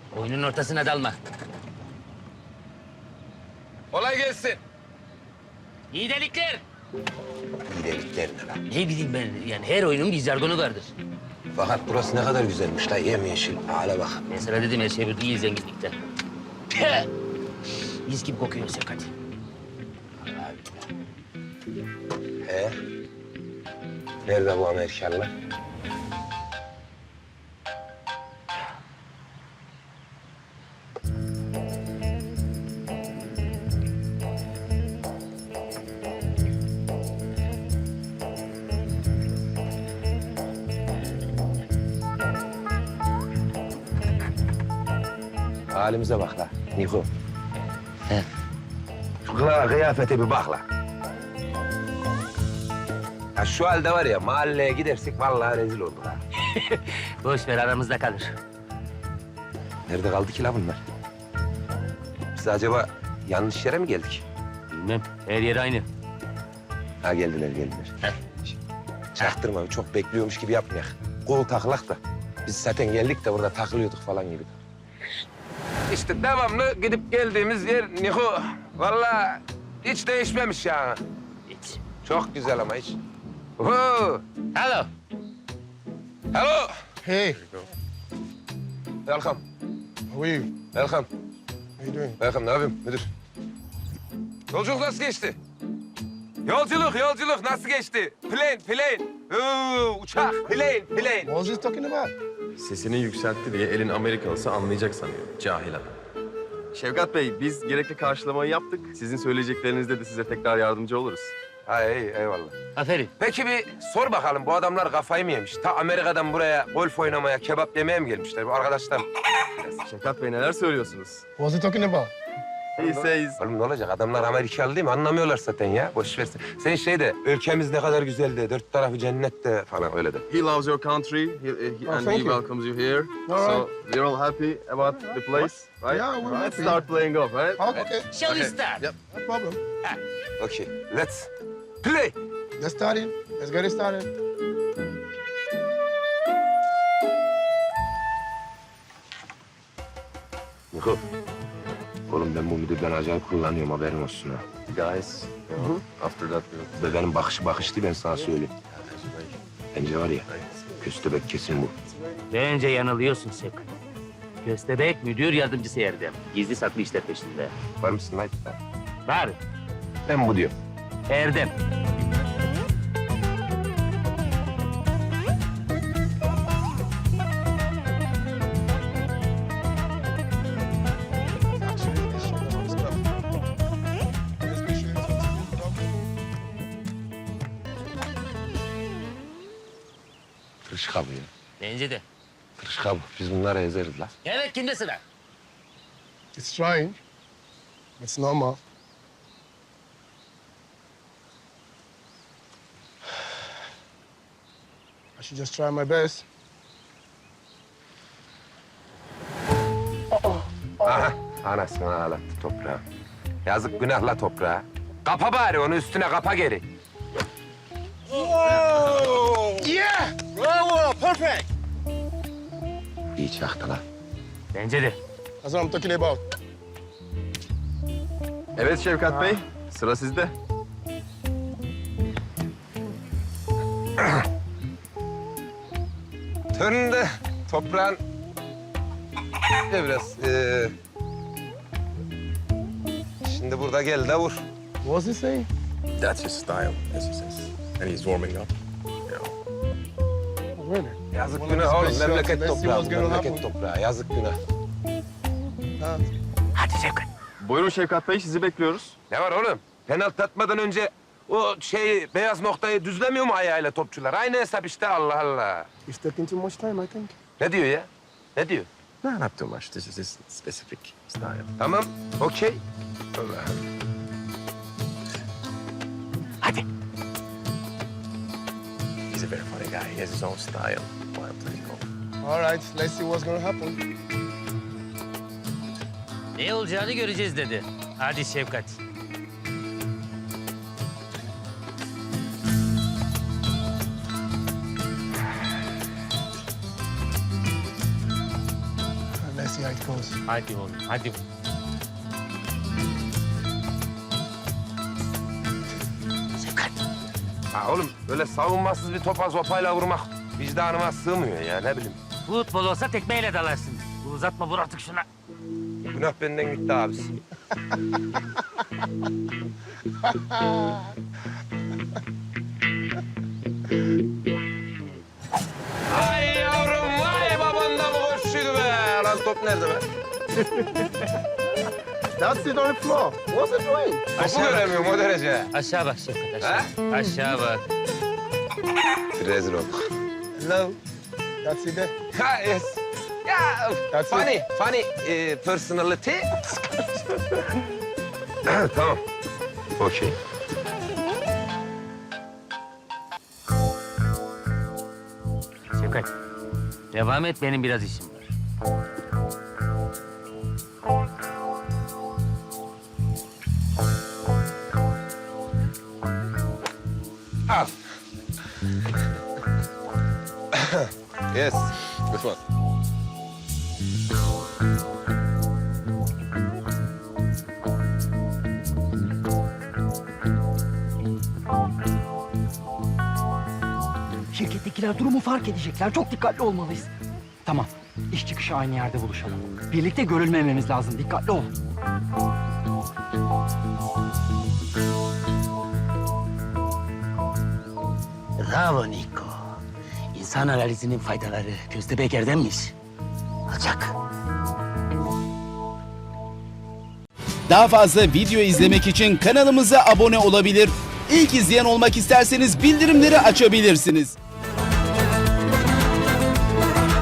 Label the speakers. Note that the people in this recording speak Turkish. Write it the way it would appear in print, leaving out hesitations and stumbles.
Speaker 1: Oyunun ortasına dalma.
Speaker 2: Kolay gelsin.
Speaker 1: İyi delikler.
Speaker 2: İyilikler ne lan?
Speaker 1: Ne bileyim ben, yani her oyunun bir jargonu vardır.
Speaker 2: Fakat burası ne kadar güzelmiş la, yemyeşil. Hala bak.
Speaker 1: Ben sana dedim her şey burada iyi zenginlikte. Püh! Mis gibi kokuyor Sevkat.
Speaker 2: He? Nerede bu Amerikalılar? Halimize bak la, Niko.
Speaker 1: He.
Speaker 2: Şu kıyafete bir bak la. Ya şu halde var ya, mahalleye gidersek vallahi rezil olduk ha.
Speaker 1: Boş ver, aramızda kalır.
Speaker 2: Nerede kaldı ki la bunlar? Biz acaba yanlış yere mi geldik?
Speaker 1: Bilmem, her yer aynı.
Speaker 2: Ha geldiler.
Speaker 1: Heh.
Speaker 2: Çaktırma, çok bekliyormuş gibi yapmayak. Kol taklak da. Biz zaten geldik de burada takılıyorduk falan gibi. İşte devamlı gidip geldiğimiz yer Niko. Vallahi hiç değişmemiş ya.
Speaker 1: Hiç.
Speaker 2: Çok güzel ama hiç. Oo.
Speaker 1: Hello.
Speaker 2: Hello.
Speaker 3: Hey,
Speaker 2: Welcome.
Speaker 3: how are you?
Speaker 2: Welcome.
Speaker 3: How you doing?
Speaker 2: Welcome. Ne yapayım müdür? Yolculuk nasıl geçti? Yolculuk nasıl geçti? Plane. Uçak, plane.
Speaker 3: What was he talking about?
Speaker 4: Sesini yükseltti diye elin Amerikalısı anlayacak sanıyor. Cahil adam. Şevkat Bey, biz gerekli karşılamayı yaptık. Sizin söyleyeceklerinizde de size tekrar yardımcı oluruz.
Speaker 2: Ha iyi, eyvallah.
Speaker 1: Aferin.
Speaker 2: Peki bir sor bakalım, bu adamlar kafayı mı yemiş? Ta Amerika'dan buraya golf oynamaya, kebap yemeye mi gelmişler bu arkadaşlar?
Speaker 4: Şevkat Bey neler söylüyorsunuz?
Speaker 3: What was he talking about?
Speaker 4: He says,
Speaker 2: Oğlum ne olacak? Adamlar Amerikalı değil mi? Anlamıyorlar zaten ya. Boş versin. Sen şey de, ülkemiz ne kadar güzeldi, dört tarafı cennette falan öyle de.
Speaker 4: he loves your country and
Speaker 3: thank
Speaker 4: he
Speaker 3: you.
Speaker 4: welcomes you here.
Speaker 3: All
Speaker 4: So we're all happy about the place, right?
Speaker 3: Yeah, we're
Speaker 4: Let's
Speaker 3: happy.
Speaker 4: start playing golf, right?
Speaker 3: Oh, okay,
Speaker 1: Shall we
Speaker 4: Okay.
Speaker 1: start?
Speaker 4: Yep.
Speaker 3: no problem.
Speaker 2: Okay, let's play.
Speaker 3: Let's start it. Let's get it started.
Speaker 2: Niko. Oğlum ben bu müdürden acayip kullanıyorum, haberin olsun ha.
Speaker 4: Guys, after that we'll...
Speaker 2: Ve benim bakış değil, ben sana söyleyeyim. Bence var ya, köstebek kesin bu.
Speaker 1: Bence yanılıyorsun Sevkat. Köstebek müdür yardımcısı Erdem. Gizli saklı işler peşinde.
Speaker 2: Var mısın lan?
Speaker 1: Var.
Speaker 2: Ben bu diyorum.
Speaker 1: Erdem.
Speaker 3: Actually, this shit doesn't stop. Let's be sure it's
Speaker 2: Tırışka bu ya.
Speaker 1: Bence de.
Speaker 2: Tırışka bu. Biz bunları ezeriz la.
Speaker 1: Evet, kimde sıra?
Speaker 3: It's trying. It's normal. I should just try my best.
Speaker 2: Aha, anasını ağlattı toprağa. Yazık günahla toprağa. Kapa bari onu, üstüne kapa geri.
Speaker 3: Yeah! Bravo! Perfect!
Speaker 2: İyi çaktı la.
Speaker 1: Bence de.
Speaker 3: That's what I'm talking about.
Speaker 4: Evet Şevkat Bey, sıra sizde.
Speaker 2: Töründe toprağın... biraz... Şimdi burada gel de vur.
Speaker 3: What was he saying?
Speaker 4: That's his style, as he says. And he's warming up. You know.
Speaker 3: Oh, really?
Speaker 2: Yazık
Speaker 3: One of
Speaker 2: günah
Speaker 3: his
Speaker 2: oğlum,
Speaker 3: best shots.
Speaker 2: memleket
Speaker 3: Let's see
Speaker 2: toprağı,
Speaker 3: what's gonna
Speaker 2: memleket
Speaker 3: happen.
Speaker 2: toprağı. Yazık günah.
Speaker 1: Hadi Sevkat.
Speaker 4: Buyurun Şevkat Bey, sizi bekliyoruz.
Speaker 2: Ne var oğlum? Penaltı atmadan önce o beyaz noktayı düzlemiyor mu ayağıyla topçular? Aynı hesap işte, Allah Allah.
Speaker 3: He's taking too much time, I think.
Speaker 2: Ne diyor ya? Ne diyor?
Speaker 4: No, not too much. This is his specific style.
Speaker 2: Tamam, okey. Allah.
Speaker 1: Hadi.
Speaker 4: He's a very funny guy. He has his own style while playing golf.
Speaker 3: All right, let's see what's gonna happen.
Speaker 1: Ne olacağını göreceğiz dedi. Hadi Şevkat.
Speaker 3: Let's see how it goes.
Speaker 1: Hadi oğlum, hadi. Şevkat.
Speaker 2: Ha oğlum böyle savunmasız bir topa sopayla vurmak vicdanıma sığmıyor ya ne bileyim.
Speaker 1: Futbol olsa tekmeyle dalarsın. Bu uzatma, vur artık şuna.
Speaker 2: Günah benden gitti abisi. Ay yavrum vay baban da mı koşuydu be? Lan top nerede be?
Speaker 3: That's it on the floor. What's it doing?
Speaker 2: Topu göremiyorum o derece.
Speaker 1: Aşağı bak Şevkat, aşağı. Aşağı bak.
Speaker 2: Rezil olduk.
Speaker 3: Hello. That's it there.
Speaker 2: Ha yes. Ya
Speaker 3: That's
Speaker 2: funny personality. Tamam. Okey.
Speaker 1: Şevkat, devam et, benim biraz işim var.
Speaker 2: Al. Yes. This one.
Speaker 5: Şirkettekiler durumu fark edecekler. Çok dikkatli olmalıyız. Tamam. İş çıkışı aynı yerde buluşalım. Birlikte görülmememiz lazım. Dikkatli ol.
Speaker 1: Bravo Niko. İnsan analizinin faydaları köstebek erdemmiş. Alçak.
Speaker 6: Daha fazla video izlemek için kanalımıza abone olabilir. İlk izleyen olmak isterseniz bildirimleri açabilirsiniz.